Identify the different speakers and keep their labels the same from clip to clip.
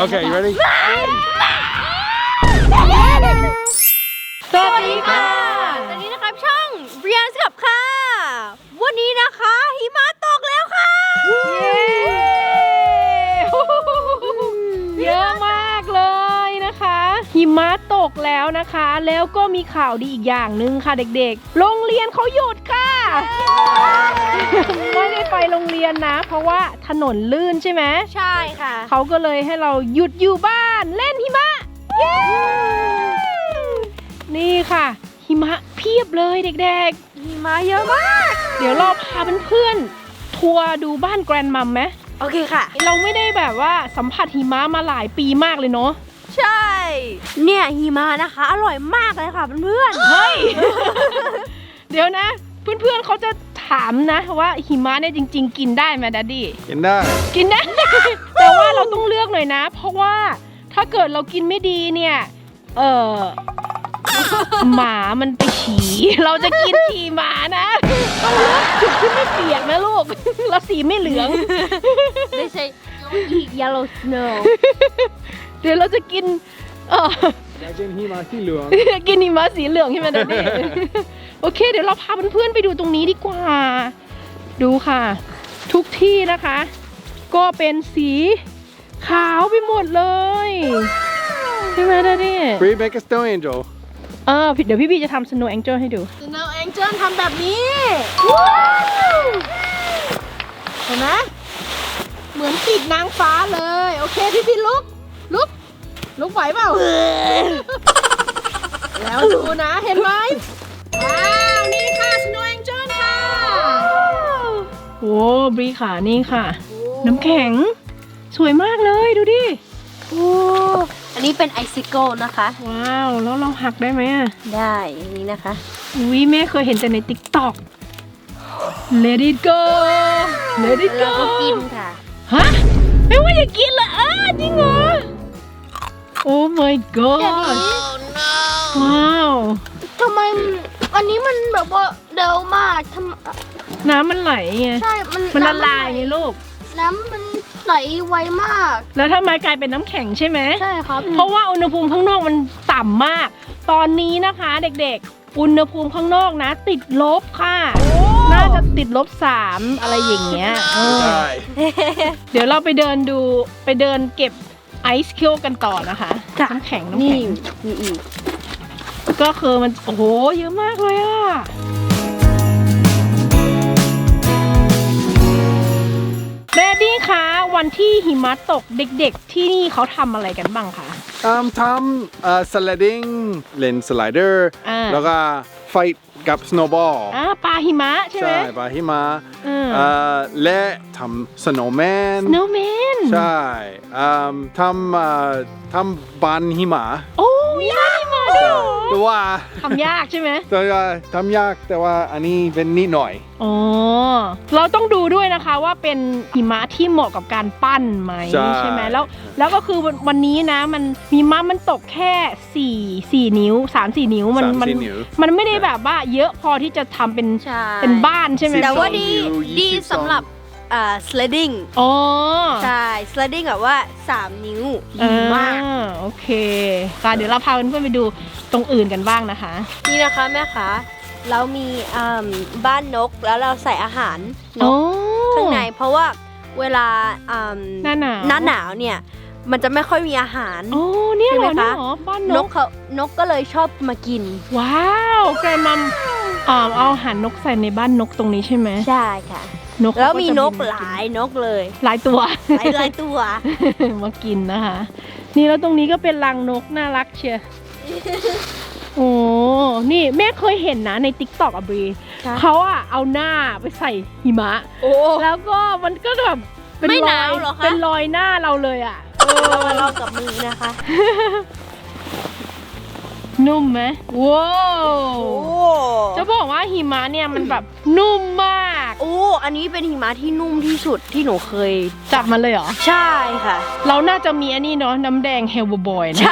Speaker 1: Okay, you ready?
Speaker 2: สวัสดีค่ะตอนนี้นะครับช่องเรียนกับค่ะวันนี้นะคะหิมะตกแล้วค่ะ
Speaker 3: เยอะมากเลยนะคะหิมะตกแล้วนะคะแล้วก็มีข่าวดีอีกอย่างหนึ่งค่ะเด็กๆโรงเรียนเขาหยุดค่ะไม่ได้ไปโรงเรียนนะเพราะว่าถนนลื่นใช่ไหม
Speaker 2: ใช่ค่ะ
Speaker 3: เขาก็เลยให้เราหยุดอยู่บ้านเล่นหิมะเย้นี่ค่ะหิมะเพียบเลยเด็กๆ
Speaker 2: หิมะเยอะมาก
Speaker 3: เดี๋ยวเราพาเพื่อนๆทัวร์ดูบ้านแกรนมัมไหม
Speaker 2: โอเคค่ะ
Speaker 3: เราไม่ได้แบบว่าสัมผัสหิมะมาหลายปีมากเลยเนาะ
Speaker 2: ใช่เนี่ยหิมะนะคะอร่อยมากเลยค่ะเพื่อน
Speaker 3: เฮ้ย เดี๋ยวนะ เพื่อนๆเขาจะถามนะว่าหิมะเนี่ยจริงๆ กินได้ไหมดัดดี้
Speaker 1: กินได้
Speaker 3: กินได้ แต่ว่าเราต้องเลือกหน่อยนะ เพราะว่าถ้าเกิดเรากินไม่ดีเนี่ยหมามันไปฉี่ เราจะกินฉี่หมานะต้องเลือกจุดที่ไม่เปียกนะลูก เราสีไม่เหลือง
Speaker 2: ๆthey say don't eat yellow snow
Speaker 3: เดี๋ยวเราจะกิน
Speaker 1: อยากกินหิมะที่เหลือง
Speaker 3: กินหิมะสีเหลืองใช่ไหมดัดดี้ โอเค เดี๋ยวเราพาเพื่อนๆไปดูตรงนี้ดีกว่า ดูค่ะ ทุกที่นะคะ ก็เป็นสีขาวไปหมดเลยใช่ไหมดัดดี้
Speaker 1: Bree make a snow angel
Speaker 3: เดี๋ยวพี่บีจะทำ Snow Angel ให้ดู
Speaker 2: Snow Angel ทำแบบนี้เห็นไหมเหมือนติดนางฟ้าเลยโอเคพี่ลุกไหวเปล่า แล้วดูนะเห็นไหมว้าวนี่ค่ะ Snow Angel ค่ะ
Speaker 3: โอ้บรีค่ะนี่ค่ะ น้ำแข็งสวยมากเลยดูดิ
Speaker 2: โอ้อันนี้เป็นไอซิโก้นะคะ
Speaker 3: ว้าวแล้วเราหักได้ไหมอ่ะ
Speaker 2: ได้อันนี้นะคะ
Speaker 3: อุ้ยแม่เคยเห็นแต่ใน TikTok Let it go Let it
Speaker 2: แล้ว
Speaker 3: go
Speaker 2: ก็กินค่ะ
Speaker 3: ฮะไม่ว่าอย่ากินเหรอจริงเหรอ Oh my god ว้าว
Speaker 2: ทำไมอันนี้มันแบบว่าเร็วมาก
Speaker 3: น้ำมันไหลไง
Speaker 2: ใช่
Speaker 3: มันละลายไงลูก
Speaker 2: น้ำมันไหลไวมาก
Speaker 3: แล้วทำไมกลายเป็นน้ำแข็งใช่ไหม
Speaker 2: ใช่ครับ
Speaker 3: เพราะว่าอุณหภูมิข้างนอกมันต่ำมาก ตอนนี้นะคะเด็กๆ อุณหภูมิข้างนอกนะ ติดลบค่ะ น่าจะติดลบ3อะไรอย่างเงี้ย
Speaker 1: ใช่
Speaker 3: เดี๋ยวเราไปเดินเก็บไอซ์คิวกันต่อนะคะน้ำแข็ง
Speaker 2: นี่มีอีก
Speaker 3: ก็คือมันโอ้โหเยอะมากเลยอะแดดดี้คะวันที่หิมะตกเด็กๆที่นี่เขาทำอะไรกันบ้างคะ
Speaker 1: ทำsliding เล่นสไลเดอร์แล้วก็ไฟกับ snowball
Speaker 3: ปลาหิมะใช่ไหม
Speaker 1: ใช่ปลาหิมะและทำ snowman
Speaker 3: snowman
Speaker 1: ใช่ทำบันหิมะ
Speaker 3: โอ้ยากหิมะด้วยเหรอ
Speaker 1: แต่ว่า
Speaker 3: ทำยากใช่ไหม
Speaker 1: แต่ว่าทำยากแต่ว่าอันนี้เป็นนิดหน่อย
Speaker 3: อ๋อเราต้องดูด้วยนะคะว่าเป็นหิมะที่เหมาะกับการปั้นไหมใช่ไหมแล้วก็คือวันนี้นะมันหิมะมันตกแค่4 นิ้ว 3-4 นิ้วมันไม่ได้แบบว่าเยอะพอที่จะทำเป็นบ้านใช่ไหม
Speaker 2: แต่ว่าดีสำหรับsledding
Speaker 3: อ๋อ
Speaker 2: ใช่ sledding แบบว่า3 นิ้วดีมาก
Speaker 3: โอเคค่ะเดี๋ยวเราพาเพื่อนๆไปดูตรงอื่นกันบ้างนะคะ
Speaker 2: นี่นะคะแม่คะเรามีบ้านนกแล้วเราใส่อาหารนกข้างในเพราะว่าเวลา
Speaker 3: หน้า
Speaker 2: หนาวเนี่ยมันจะไม่ค่อยมีอาหาร
Speaker 3: โอ้เนี่ยเหรอ
Speaker 2: ใช่ไหมคะ
Speaker 3: บ้าน
Speaker 2: นกก็เลยชอบมากิน
Speaker 3: ว้าวแกรนมัมเอาอาหารนกใส่ในบ้านนกตรงนี้ใช่ไหม
Speaker 2: ใช่ค่ะแล้วมีนกหลายนกเลย
Speaker 3: หลายตัว
Speaker 2: หลายตัว
Speaker 3: มากินนะคะ นี่แล้วตรงนี้ก็เป็นรังนกน่ารักเชียร์ โอ้นี่แม่เคยเห็นนะใน TikTok อะบรีเขาอะเอาหน้าไปใส่หิมะแล้วก็มันก็แบบเป็นรอยหน้าเราเลยอะ
Speaker 2: เรากับมือนะคะ
Speaker 3: นุ่มไหมว้าวจะบอกว่าหิมะเนี่ยมันแบบนุ่มมาก
Speaker 2: อันนี้เป็นหิมะที่นุ่มที่สุดที่หนูเคย
Speaker 3: จับมันเลยเหรอ
Speaker 2: ใช่ค่ะ
Speaker 3: เราน่าจะมีอันนี้เนาะน้ำแดงเฮลบอยนะ
Speaker 2: ใช่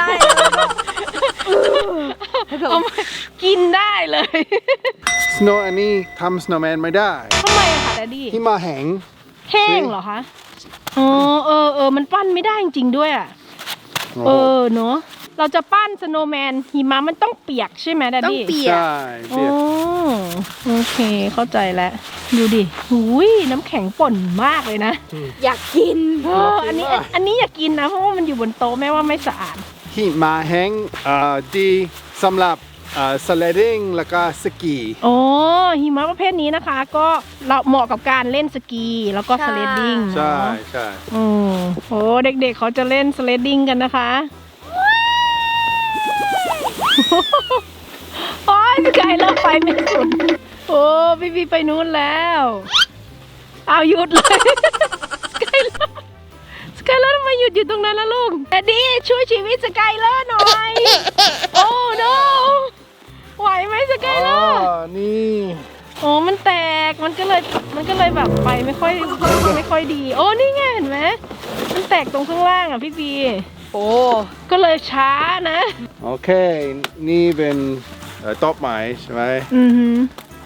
Speaker 3: เอามากินได้เลย
Speaker 1: snow อันนี้ทำ snowman ไม่ได้
Speaker 3: ทำไมอะคะแดดดี้
Speaker 1: หิมะแห้ง
Speaker 3: เหรอคะอ๋อมันปั้นไม่ได้จริงๆด้วยอะเออเนาะเราจะปั้นสโนว์แมนหิมะมันต้องเปียกใช่ไหมดัด
Speaker 2: ต้อง
Speaker 3: ดี้
Speaker 2: เปียก
Speaker 1: ใช่เปียก
Speaker 3: โอเคเข้าใจแล้วดูดิหุยน้ำแข็งป่นมากเลยนะ
Speaker 2: อยากกิน
Speaker 3: อันนี้อยากกินนะเพราะว่ามันอยู่บนโต๊ะแม่ว่าไม่สะอาด
Speaker 1: หิมะแห้งดีสำหรับsledding แล้วก็สกี
Speaker 3: โอ้หิมะประเภทนี้นะคะ ก็เราเหมาะกับการเล่นสกีแล้วก็
Speaker 2: ใช่
Speaker 3: สเลดดิ้ง
Speaker 1: ใช่
Speaker 3: เนาะ
Speaker 1: ใช่
Speaker 3: โอ้เด็กๆเขาจะเล่นสเลดดิ้งกันนะคะโอ้ยพี่ไก่เริ่มไปไม่สุดโอ้พี่ไปนู้นแล้วเอาหยุดเลยสกายเลอร์ทำไมหยุดอยู่ตรงนั้นล่ะลูกแต่ดีช่วยชีวิตสกายเลอร์หน่อยโอ้ no ไหวไหมสกายเลอร์
Speaker 1: นี่
Speaker 3: โอ้มันแตกมันก็เลยแบบไปไม่ค่อยดีโอ้นี่ไงเห็นไหมมันแตกตรงข้างล่างอ่ะพี่บีโอ้ก็เลยช้านะ
Speaker 1: โอเค นี่เป็นต้นไม้ใช่ไหม
Speaker 3: อือหือ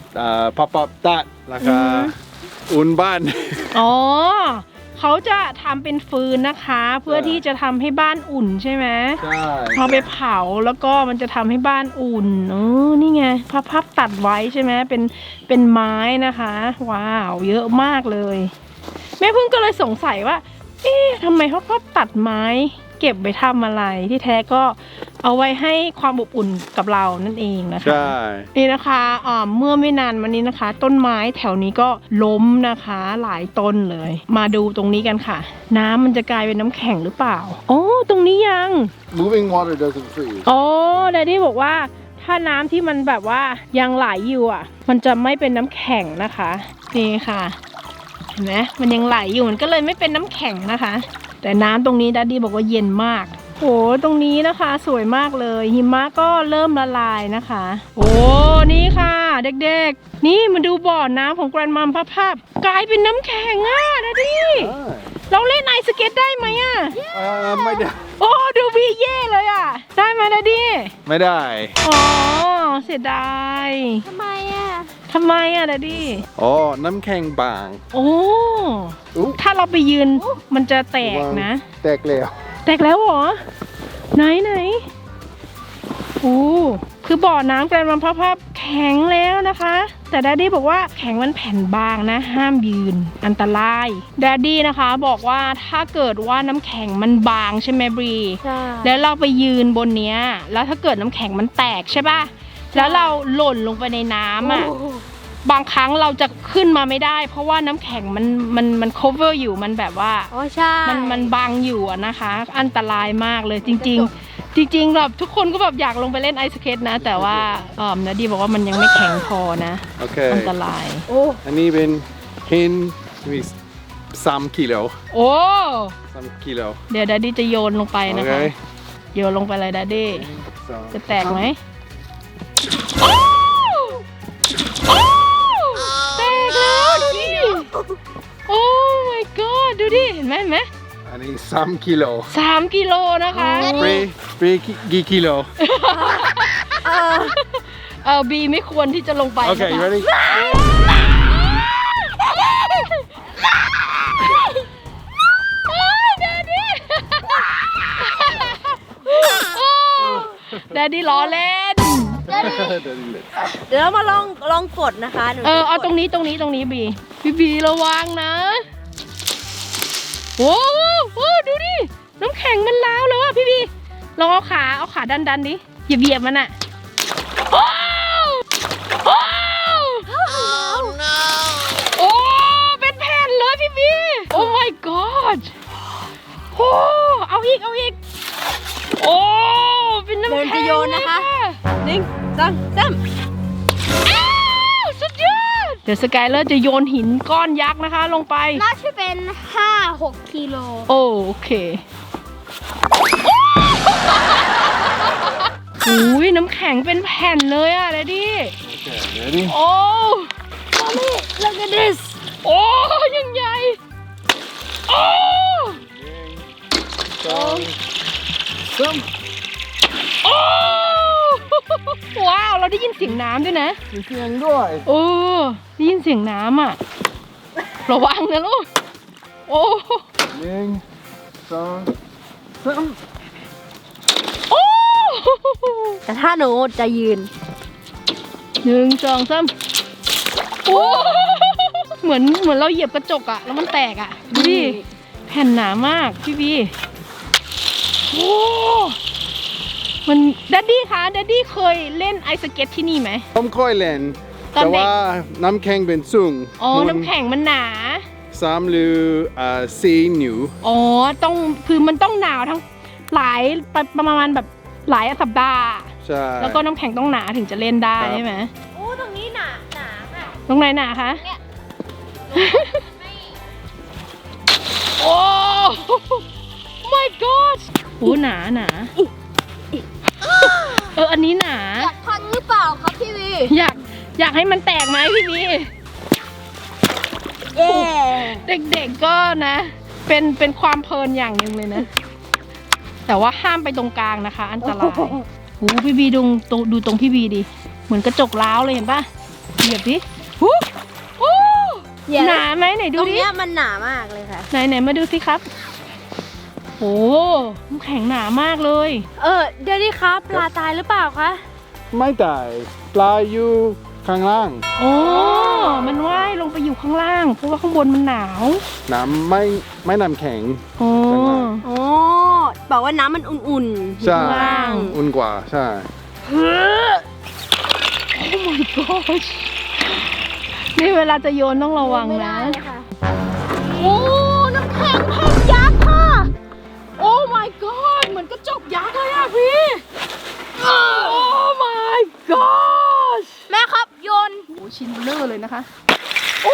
Speaker 1: pop-up ตัดแล้วก็อุ่นบ้าน
Speaker 3: อ๋อเขาจะทำเป็นฟืนนะคะ เพื่อที่จะทำให้บ้านอุ่นใช่ไหม
Speaker 1: ใช่
Speaker 3: เอาไปเผาแล้วก็มันจะทำให้บ้านอุ่นนี่ไงพับตัดไว้ใช่ไหมเป็นไม้นะคะว้าวเยอะมากเลยแม่พึ่งก็เลยสงสัยว่าเอ๊ะทำไมเขาพับตัดไม้เก็บไปทำอะไรที่แท้ก็เอาไว้ให้ความอบอุ่นกับเรานั่นเองนะคะ
Speaker 1: ใช่
Speaker 3: นี่นะคะเมื่อไม่นานมานี้นะคะ ต้นไม้แถวนี้ก็ล้มนะคะหลายต้นเลย มาดูตรงนี้กันค่ะ น้ำมันจะกลายเป็นน้ำแข็งหรือเปล่าโอ้ตรงนี้ยัง
Speaker 1: moving water doesn't freeze
Speaker 3: โอ้แดดดี้บอกว่าถ้าน้ำที่มันแบบว่ายังไหลอยู่อ่ะ มันจะไม่เป็นน้ำแข็งนะคะนี่ค่ะเห็นไหมมันยังไหลอยู่มันก็เลยไม่เป็นน้ำแข็งนะคะ แต่น้ำตรงนี้แดดดี้บอกว่าเย็นมากโอ้ตรงนี้นะคะสวยมากเลยหิมะก็เริ่มละลายนะคะโอ้นี่ค่ะเด็กๆนี่มาดูบ่อน้ำของแกรนมัมภาพกลายเป็นน้ำแข็งอ่ะแดดดี้เราเล่นไอสเก็ตได้ไหมอ่ะ
Speaker 1: ไม่ได้
Speaker 3: โอ้ดูวีเย่เลยอ่ะได้ไหมแดดดี้
Speaker 1: ไม่ได้
Speaker 3: อ๋อเสียดาย
Speaker 2: ทำไมอ่ะ
Speaker 3: ทำไมอะดดดี้
Speaker 1: อ๋อ น้ำแข็งบาง
Speaker 3: โอ้
Speaker 1: อุ๊
Speaker 3: ถ้าเราไปยืนมันจะแตกนะ
Speaker 1: แตกแล้ว
Speaker 3: แตกแล้วเหรอไหนโอ้คือบ่อน้ำแกรนมัมภาพแข็งแล้วนะคะ แต่แดดดี้บอกว่าแข็งมันแผ่นบางนะ ห้ามยืนอันตรายแดดดี้นะคะบอกว่าถ้าเกิดว่าน้ำแข็งมันบางใช่ไหมบรี
Speaker 2: ใช่
Speaker 3: แล้วเราไปยืนบนเนี้ยแล้วถ้าเกิดน้ำแข็งมันแตกใช่ป่ะแล้วเราหล่นลงไปในน้ำอ่ะ บางครั้งเราจะขึ้นมาไม่ได้ เพราะว่าน้ำแข็งมัน cover อยู่มันแบบว่า
Speaker 2: อ๋อใช่
Speaker 3: มันบังอยู่อะนะคะ อันตรายมากเลยจริงแบบทุกคนก็แบบอยากลงไปเล่นไอสเก็ตนะ แต่ว่านาดีบอกว่ามันยังไม่แข็งพอนะ
Speaker 1: โอเค
Speaker 3: อันตราย
Speaker 2: โอ้
Speaker 1: อันนี้เป็นหินมี3 กิโล
Speaker 3: โอ้
Speaker 1: 3 กิโล
Speaker 3: เดี๋ยวดัดดี้จะโยนลงไป
Speaker 1: โอ
Speaker 3: นะ
Speaker 1: เค
Speaker 3: คะโยนลงไปเลยดัดดี้จะแตกไหมแตกแล้วดูดิโอ้ my god ดูดิเห็นไหม
Speaker 1: อันนี้3 กิโล
Speaker 3: 3 กิโลนะคะ
Speaker 1: ปรีกี่กิโล
Speaker 3: บีไม่ควรที่จะลงไป
Speaker 1: โอเค
Speaker 3: นะคะ
Speaker 1: ready
Speaker 3: แดดดี้ล้อเล่น
Speaker 2: เดี๋ยวเรามาลองกดนะคะหนูจะ
Speaker 3: เอา
Speaker 2: กด
Speaker 3: ตรงนี้บีระวังนะโอ้โหดูดิน้ำแข็งมันล้าวแล้วอ่ะพี่บีลองเอาขาดันดิอย่าเบียดมันอ่ะโอ้โอ้โอ้เป็นแผ่นเลยพี่บีโอ้ my god โอ้เอาอีกโอ้เป็นน้ำ
Speaker 2: เดิน
Speaker 3: แข็
Speaker 2: จะ
Speaker 3: ง
Speaker 2: โยนนะคะ 1 2 3
Speaker 3: อ้าวสุดยอดเดี๋ยวสกายเลอร์จะโยนหินก้อนยักษ์นะคะลงไป
Speaker 2: น่าจะเป็น 5-6 กิโล
Speaker 3: โอเคอุ้ยน้ำแข็งเป็นแผ่นเลยอ่ะเดดดี้
Speaker 1: ready
Speaker 3: โอ้
Speaker 2: Mommy look at this
Speaker 3: โอ้ยังใหญ่โอ้ โอ้ว้าวเราได้ยินเสียงน้ำด้วยนะ
Speaker 1: มีเสียงด้วย
Speaker 3: โอ้ได้ยินเสียงน้ำอ่ะระวังนะลูกโอ้
Speaker 1: 1 2 3
Speaker 2: แต่ถ้าหนูจะยืน
Speaker 3: 1 2 3โอ้เหมือนเราเหยียบกระจกอะแล้วมันแตกอะดูดิแผ่นหนามากพี่บีโอ้มันดัดดี้คะดัดดี้เคยเล่นไอสเก็ตที่นี่ไหม
Speaker 1: ผมค่อยเล่น
Speaker 3: ตอนเด็ก
Speaker 1: แต่ว่าน้ำแข็งเป็นสูง
Speaker 3: อ๋อน้ำแข็งมันหนา
Speaker 1: 3 หรือ4 นิ้ว
Speaker 3: อ๋อต้องคือมันต้องหนาวทั้งหลายประมาณแบบหลายสัปดาห์
Speaker 1: ใช่
Speaker 3: แล้วก็น้ำแข็งต้องหนาถึงจะเล่นได้
Speaker 1: ครับ
Speaker 3: ใช่ไหม
Speaker 2: โอ้ตรงนี้หนาค่ะ
Speaker 3: ตรงไหนหนาคะ
Speaker 2: เนี่ย
Speaker 3: โอ้ my god โอ้หนาอันนี้หนา
Speaker 2: อยากพังหรือเปล่าครับพี่วี
Speaker 3: อยากให้มันแตกไหมพี่บี
Speaker 2: เย้
Speaker 3: เด็กๆก็นะ เป็นความเพลินอย่างหนึ่งเลยนะ แต่ว่าห้ามไปตรงกลางนะคะ อันตรายโอ้พี่บีดูตรงพี่บีดิ เหมือนกระจกล้าวเลยเห็นปะเหยียบดิโอ้หนาไหมไหน
Speaker 2: ต
Speaker 3: ดู
Speaker 2: รง
Speaker 3: ดิ
Speaker 2: เนี้ยมันหนามากเลยค่ะ
Speaker 3: ไหนมาดูสิครับโอ้น้ำแข็งหนามากเลย
Speaker 2: เดี๋ยวนี้ครับปลาตายหรือเปล่าคะ
Speaker 1: ไม่ตายปลาอยู่ข้างล่าง
Speaker 3: โอ้มันว่ายลงไปอยู่ข้างล่าง เพราะว่าข้างบนมันหนาว
Speaker 1: น้ำไม่น้ำแข็ง
Speaker 3: โอ้
Speaker 1: ข้างล่าง
Speaker 2: โอ้บอกว่าน้ำมันอุ่นๆ
Speaker 1: ใช่
Speaker 2: อยู่ข้างล่าง
Speaker 1: อุ่นกว่าใช่
Speaker 3: โอ้ my gosh นี่เวลาจะโยนต้องระวังนะ โอ้ น้ำแข็งแผ่นยักษ์ค่ะ โอ้ my god เหมือนกระจกยักษ์เลยอะพี่ โอ้ my gosh
Speaker 2: แม่ครับโยน
Speaker 3: โอ้ชิ้นเบลอเลยนะคะ โอ้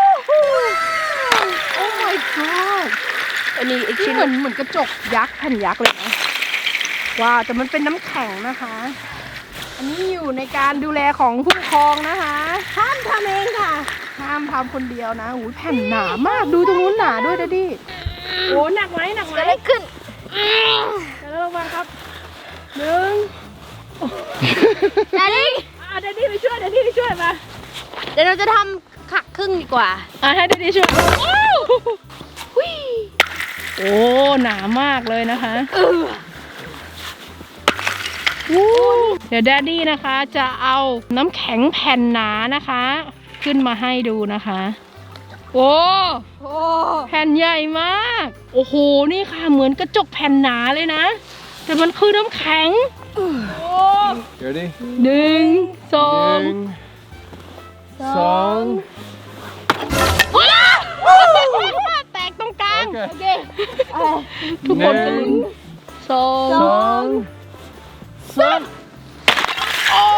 Speaker 3: my god
Speaker 2: อันนี้อีก
Speaker 3: ที่
Speaker 2: ชิ้น
Speaker 3: เหมือนกระจกยักษ์แผ่นยักษ์เลยนะว้าวแต่มันเป็นน้ำแข็งนะคะ อันนี้อยู่ในการดูแลของผู้ปกครองนะคะ
Speaker 2: ห้ามทำเองค่ะ
Speaker 3: ห้ามทำคนเดียวนะหูยแผ่นหนามากดูตรงนู้นหนาด้วยนะดิโอ้หนักไหม
Speaker 2: เกิดอะไรขึ้น
Speaker 3: เดี๋ยวระวังครับ1
Speaker 2: แดดดี้
Speaker 3: เดดดี้ไปช่วยมา
Speaker 2: เดี๋ยวเราจะทำขักครึ่งดีกว่า
Speaker 3: ให้เดดดี้ช่วยโอ้หนามากเลยนะคะเดี๋ยวแดดดี้นะคะจะเอาน้ำแข็งแผ่นหนานะคะ ขึ้นมาให้ดูนะคะ โอ้แผ่นใหญ่มาก โอ้โหนี่ค่ะเหมือนกระจกแผ่นหนาเลยนะ แต่มันคือน้ำแข็ง
Speaker 1: เดี๋ยวดิ
Speaker 3: 1 2
Speaker 1: 2
Speaker 3: แตกตรงกลาง
Speaker 1: โอเค
Speaker 3: ทุกคนจะลุ้นสอง
Speaker 1: 3
Speaker 3: โอ้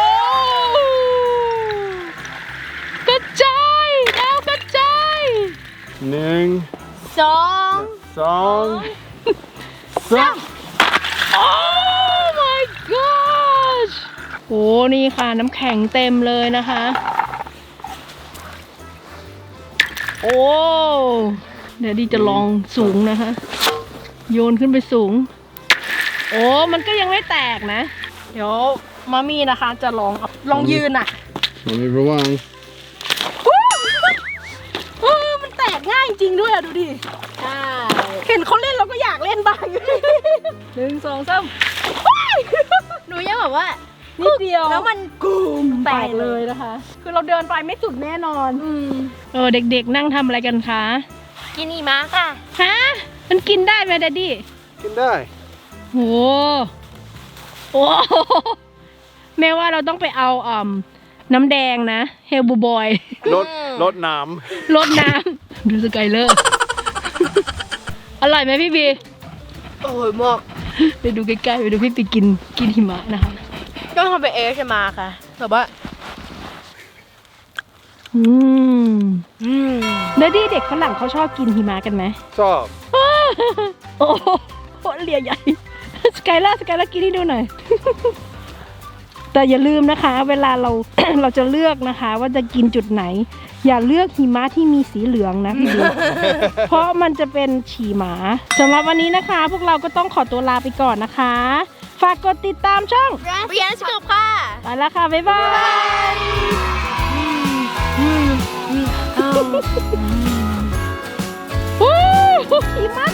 Speaker 3: กระจายดาวกระจาย
Speaker 1: 1
Speaker 2: สอง
Speaker 1: 2 3
Speaker 3: โอ้ my gosh โอ้นี่ค่ะน้ำแข็งเต็มเลยนะคะ โอ้เดี๋ยวดีจะลองสูงนะคะ โยนขึ้นไปสูง โอ้มันก็ยังไม่แตกนะ เดี๋ยวมามี่นะคะจะลองยืนอ่ะ
Speaker 1: มันมีระวัง
Speaker 3: มันแตกง่ายจริงด้วยอะดูดิ
Speaker 2: ใช่
Speaker 3: เห็นเขาเล่นเราก็อยากเล่นบ้าง 1 2 3
Speaker 2: หนูยังแบบว่า
Speaker 3: นิดเดียว
Speaker 2: แล้วมัน
Speaker 3: แตกเลยนะคะ คือเราเดินไปไม่สุดแน่นอน เด็กๆนั่งทำอะไรกันคะ
Speaker 2: กินอีมาค่ะ
Speaker 3: ฮะ มันกินได้ไหมดัดดี้
Speaker 1: กินได้
Speaker 3: โอ้โหแม่ว่าเราต้องไปเอาน้ำแดงนะเฮลบูบอย
Speaker 1: ลดน้
Speaker 3: รดน้ำดูสกายเลอร์ อร่อยไหมพี่บี
Speaker 2: โอ้ยมาก
Speaker 3: ไปดูใกล้ๆไปดูพี่ปีกินหิมะนะคะ
Speaker 2: ก็ทำเป็นเอชมาค่ะแบบว่า
Speaker 3: แล้วที่เด็กฝรั่งเขาชอบกินหิมะกันไหม
Speaker 1: ำชอบ
Speaker 3: โอ้โหเลียใหญ่สกายล่ากินให้ดูหน่อย แต่อย่าลืมนะคะ เวลาเรา เราจะเลือกนะคะ ว่าจะกินจุดไหน อย่าเลือกหิมะที่มีสีเหลืองนะพี่บี เพราะมันจะเป็นฉี่หมาสำหรับวันนี้นะคะ พวกเราก็ต้องขอตัวลาไปก่อนนะคะ ฝากกดติดตามช่อง
Speaker 2: เรียนสกบค่ะ
Speaker 3: ไปแล้วค่ะ บ๊ายบายหิมะ